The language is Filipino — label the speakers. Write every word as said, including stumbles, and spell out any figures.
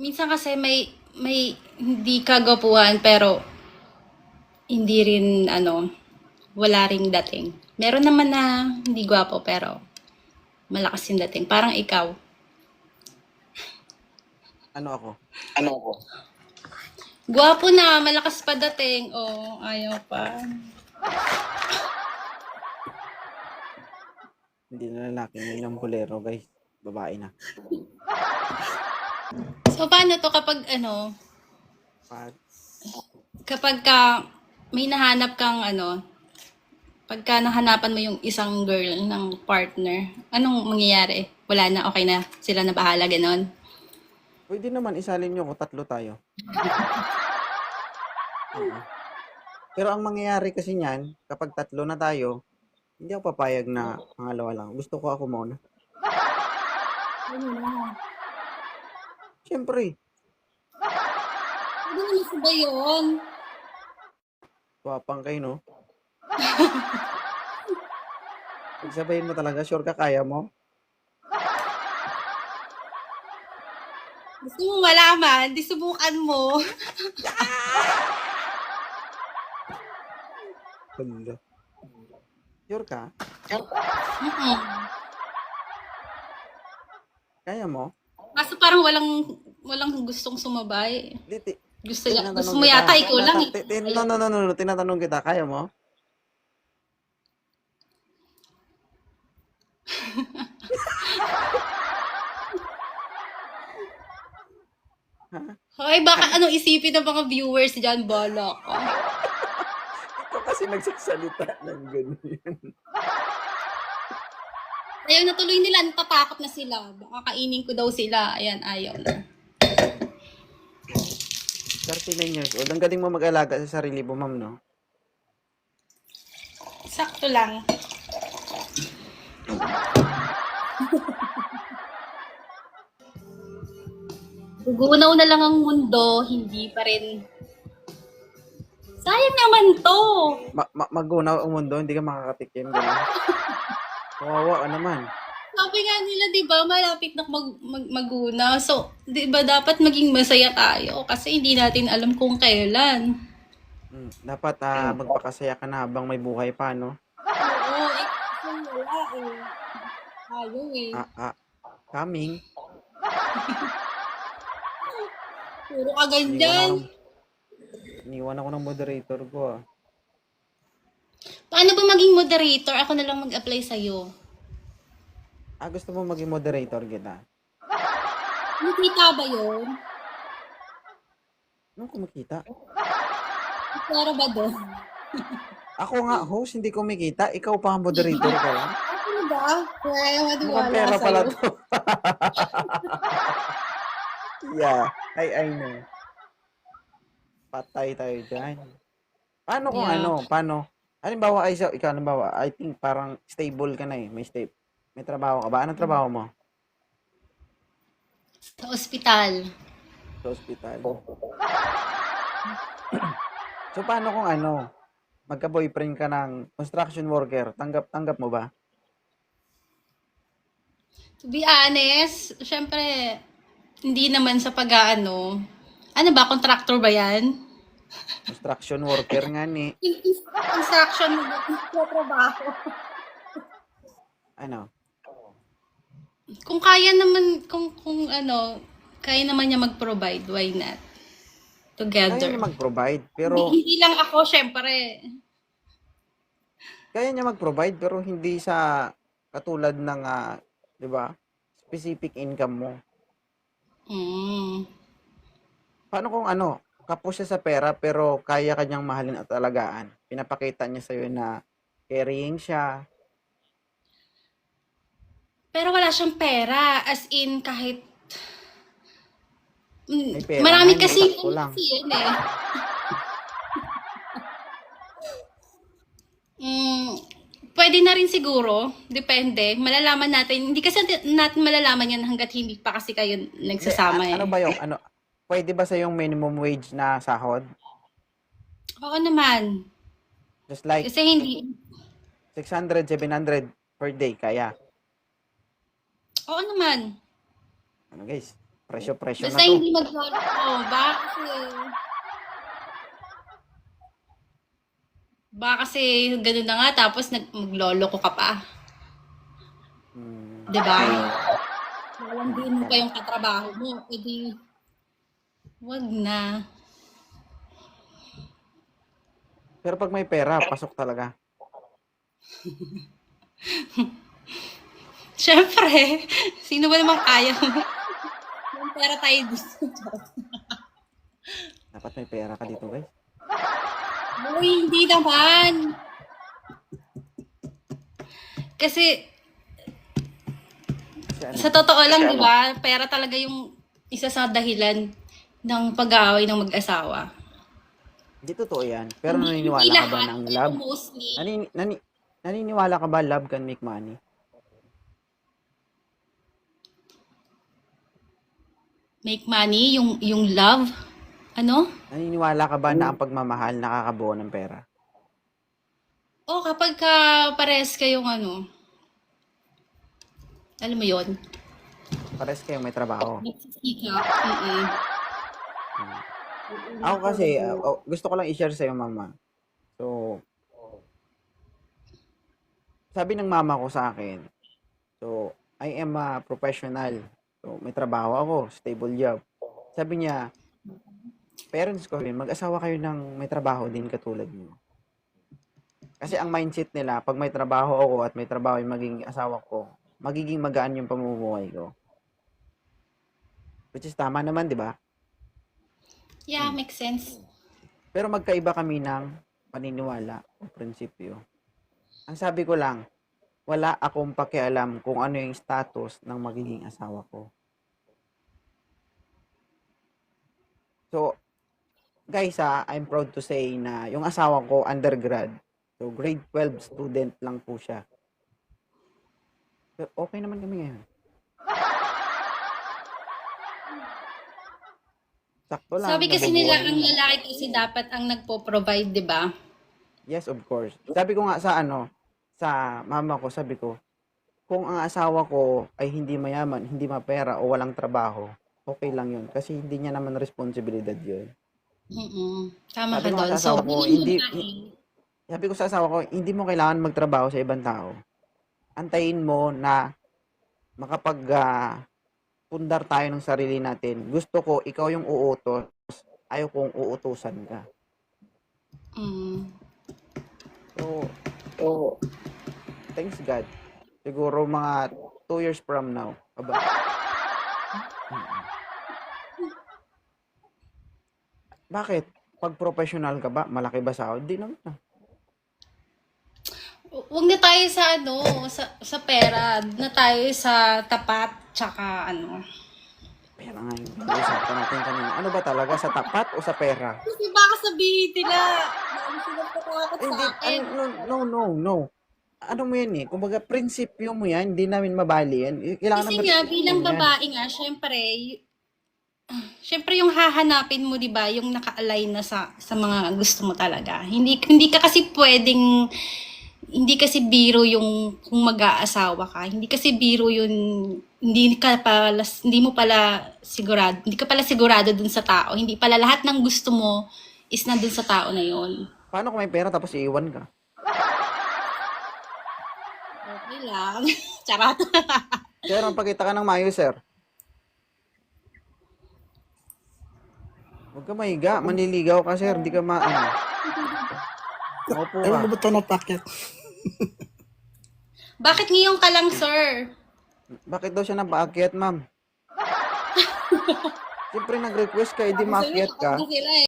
Speaker 1: minsan kasi may may hindi kagwapuhan pero hindi rin ano, wala ring dating. Meron naman na hindi gwapo pero malakas yung dating. Parang ikaw.
Speaker 2: Ano ako?
Speaker 1: Ano ko? Gwapo na, malakas pa dating. Oh, ayaw pa.
Speaker 2: Hindi na lalaki yun yung bolero, guys. Babae na.
Speaker 1: So, paano to kapag ano,
Speaker 2: Pag,
Speaker 1: kapag ka may nahanap kang ano, pagka nahanapan mo yung isang girl ng partner, anong mangyayari? Wala na, okay na, sila na bahala, ganon.
Speaker 2: pwede naman isalin nyo ko, tatlo tayo. Oo. Pero ang mangyayari kasi niyan, kapag tatlo na tayo, hindi ako papayag na pangalawa lang. Gusto ko ako muna.
Speaker 1: Ano na?
Speaker 2: Siyempre,
Speaker 1: Pwede naman sabay yun.
Speaker 2: wapang kayo, no? Pagsabayin mo talaga, sure ka kaya mo?
Speaker 1: Gusto mo malaman, di subukan mo.
Speaker 2: Hala. Sure ka?
Speaker 1: Mm-mm.
Speaker 2: Kaya mo?
Speaker 1: Kaso parang walang walang gustong sumabay.
Speaker 2: Di, ti,
Speaker 1: Gusto niya, gusto
Speaker 2: tinatanong
Speaker 1: mo
Speaker 2: kita.
Speaker 1: yata ikaw lang
Speaker 2: Tinata-
Speaker 1: eh.
Speaker 2: ti- ti- no, no, no, no, no, tinatanong kita. Kaya mo? Ha?
Speaker 1: Hoy, baka ano isipin ng mga viewers dyan, bolok.
Speaker 2: Ikaw kasi nagsasalita ng ganyan.
Speaker 1: Ayaw na tuloy nila, natatakot na sila. Baka kainin ko daw sila. Ayan, ayaw na.
Speaker 2: thirty-nine years old. Ang galing mo mag-alaga sa sarili mo, ma'am, no?
Speaker 1: Sakto lang. Gugunaw na lang ang mundo, hindi pa rin. Sayang naman to.
Speaker 2: Ma- ma- magunaw ang mundo, hindi ka makakatikim. Ganun. Kawawa ka naman.
Speaker 1: Sabi nga nila, di ba, malapit na mag, mag, maguna. So, di ba, dapat maging masaya tayo kasi hindi natin alam kung kailan.
Speaker 2: Mm, dapat ah, magpakasaya ka na habang may buhay pa, no?
Speaker 1: Oo, eh, kasi wala eh. Ayaw eh.
Speaker 2: Ah, ah, coming.
Speaker 1: Puro ka
Speaker 2: Iniwan ako
Speaker 1: ganyan.
Speaker 2: ng, iniwan ako ng moderator ko, ah.
Speaker 1: Paano ba maging moderator? Ako na lang mag-apply sa'yo.
Speaker 2: Ah, gusto mo maging moderator kita?
Speaker 1: Nakita ba yun?
Speaker 2: Ano kumikita?
Speaker 1: Pero ba doon?
Speaker 2: Ako nga, host, hindi kumikita. Ikaw pa ang moderator ka lang.
Speaker 1: Ano ba? Kaya
Speaker 2: Mukhang
Speaker 1: matiwala
Speaker 2: pera pala
Speaker 1: sa'yo.
Speaker 2: to. Yeah, I, I know. Patay tayo dyan. Paano kung
Speaker 1: Yeah.
Speaker 2: ano? Paano? Halimbawa, ay, sa- ikaw, halimbawa, I think parang stable ka na eh. May stable. May trabaho ka ba? Anong trabaho mo?
Speaker 1: Sa ospital.
Speaker 2: Sa ospital. So, paano kung ano? Magka-boyfriend ka ng construction worker. Tanggap-tanggap mo ba?
Speaker 1: To be honest, syempre, hindi naman sa pag-aano. Ano ba? Contractor ba yan?
Speaker 2: Construction worker nga ni.
Speaker 1: Construction mo ba? Trabaho.
Speaker 2: Ano?
Speaker 1: Kung kaya naman, kung, kung ano, kaya naman niya mag-provide, why not?
Speaker 2: Kaya
Speaker 1: Together.
Speaker 2: niya mag-provide.
Speaker 1: Hindi,
Speaker 2: Pero,
Speaker 1: hindi lang ako, syempre.
Speaker 2: kaya niya mag-provide. Pero hindi sa katulad ng, ah, di ba? Specific income mo.
Speaker 1: Mm.
Speaker 2: Paano kung ano? Kapos siya sa pera pero kaya kanyang mahalin at alagaan. Pinapakita niya sa'yo na caring siya.
Speaker 1: Pero wala siyang pera. As in, kahit... Mm,
Speaker 2: May pera
Speaker 1: marami
Speaker 2: nga, hindi,
Speaker 1: kasi,
Speaker 2: sakto lang.
Speaker 1: kasi yan eh. Mm, pwede na rin siguro. Depende. Malalaman natin. Hindi kasi natin malalaman yan hanggat hindi pa kasi kayo
Speaker 2: Hindi,
Speaker 1: nagsasama
Speaker 2: a-
Speaker 1: eh.
Speaker 2: ano ba yung, ano, pwede ba sa yung minimum wage na sahod?
Speaker 1: Oo naman.
Speaker 2: Just like
Speaker 1: Kasi hindi...
Speaker 2: six hundred, seven hundred per day, kaya.
Speaker 1: Oo naman.
Speaker 2: Ano guys? Presyo-presyo na
Speaker 1: Basta
Speaker 2: to.
Speaker 1: hindi magloloko. Baka kasi, baka kasi ganun na nga tapos nag magloloko ka pa.
Speaker 2: Hmm,
Speaker 1: 'Di ba?
Speaker 2: hmm,
Speaker 1: Lalandiin mo pa
Speaker 2: correct.
Speaker 1: yung katrabaho mo. E di, wag na.
Speaker 2: Pero pag may pera, pasok talaga.
Speaker 1: Siyempre, sino ba namang kaya mo? Yung pera tayo gusto.
Speaker 2: Dapat may pera ka dito, guys.
Speaker 1: Uy, hindi naman. Kasi,
Speaker 2: Kasi ano,
Speaker 1: sa totoo lang, di ba, pera talaga yung isa sa dahilan ng pag-aaway ng mag-asawa.
Speaker 2: hindi totoo yan. Pero
Speaker 1: Hindi, hindi
Speaker 2: naniniwala ka ba
Speaker 1: lahat,
Speaker 2: ng
Speaker 1: pero
Speaker 2: love?
Speaker 1: mostly.
Speaker 2: Nani, nani, naniniwala ka ba love can make money?
Speaker 1: Make money, yung, yung love. Ano?
Speaker 2: Naniniwala ka ba na ang pagmamahal nakakabuo ng pera?
Speaker 1: O, kapag ka pares kayong ano, alam mo yon,
Speaker 2: Pares kayong may trabaho.
Speaker 1: nagsisikap. Mm-mm.
Speaker 2: Hmm. Ako kasi, uh, oh, gusto ko lang i-share sa'yo, mama. So, sabi ng mama ko sa akin, so, I am a professional. So, may trabaho ako, stable job. Sabi niya, parents ko rin, mag-asawa kayo ng may trabaho din katulad mo. Kasi ang mindset nila, pag may trabaho ako at may trabaho yung magiging asawa ko, magiging magaan yung pamumuhay ko. Which is tama naman, di ba?
Speaker 1: Yeah, makes sense.
Speaker 2: Pero magkaiba kami ng paniniwala o prinsipyo. Ang sabi ko lang, wala akong pakialam kung ano yung status ng magiging asawa ko. So, guys ha, I'm proud to say na yung asawa ko undergrad. So, grade twelve student lang po siya. Pero okay naman kami ngayon. Sakto lang,
Speaker 1: Sabi kasi nila,
Speaker 2: nabubuhay
Speaker 1: ang
Speaker 2: naman.
Speaker 1: lalaki kasi dapat ang nagpo-provide, di ba?
Speaker 2: Yes, of course. Sabi ko nga sa ano, sa mama ko, sabi ko, kung ang asawa ko ay hindi mayaman, hindi mapera o walang trabaho, okay lang yun. Kasi hindi niya naman responsibilidad yun.
Speaker 1: Mm-mm. Tama
Speaker 2: Sabi
Speaker 1: ka
Speaker 2: ko nga
Speaker 1: doon.
Speaker 2: sa
Speaker 1: So,
Speaker 2: asawa ko,
Speaker 1: bilang
Speaker 2: hindi,
Speaker 1: babae,
Speaker 2: sabi ko sa asawa ko, hindi mo kailangan magtrabaho sa ibang tao. Antayin mo na makapag ah, pundar tayo ng sarili natin. Gusto ko, ikaw yung uutos. Ayaw kong uutusan ka.
Speaker 1: mm,
Speaker 2: So, thanks God. Siguro mga two years from now. Aba. Mm. Bakit? Pag professional ka ba, malaki ba sahod? Di naman ah.
Speaker 1: huwag na tayo sa ano, sa, sa pera. Na tayo sa tapat, tsaka ano.
Speaker 2: Pera nga yung pinag-usapan natin kanina. Ano ba talaga? Sa tapat o sa pera?
Speaker 1: Kasi baka sabihin nila, ano sila patakot sa
Speaker 2: Hindi,
Speaker 1: akin.
Speaker 2: ano, no, no, no, no. Ano mo yan eh? Kumbaga, prinsipyo mo yan, hindi namin mabali yan. Kailangan
Speaker 1: Kasi
Speaker 2: naman
Speaker 1: nga,
Speaker 2: respectuhin
Speaker 1: bilang
Speaker 2: yan.
Speaker 1: babae nga, syempre, y- syempre yung hahanapin mo, di ba, yung naka-align na sa, sa mga gusto mo talaga. Hindi, hindi ka kasi pwedeng, hindi kasi biro yung kung mag-aasawa ka. Hindi kasi biro yun, hindi ka pala, hindi mo pala sigurado, hindi ka pala sigurado dun sa tao. Hindi pala lahat ng gusto mo is nandun sa tao na yun.
Speaker 2: Paano kung may pera tapos iiwan ka?
Speaker 1: Okay lang. Charot.
Speaker 2: Sir, magpakita ka ng mayo, sir. Huwag ka mahiga. Manliligaw ka, sir. Hindi ka ma... Ano. Maupo ka.
Speaker 3: Ewan ko ba't ito napakyat?
Speaker 1: Bakit ngayon ka lang, sir?
Speaker 2: Bakit daw siya napaakyat, ma'am? Siyempre, nag-request ka, edi maakyat ka.
Speaker 1: Sila eh.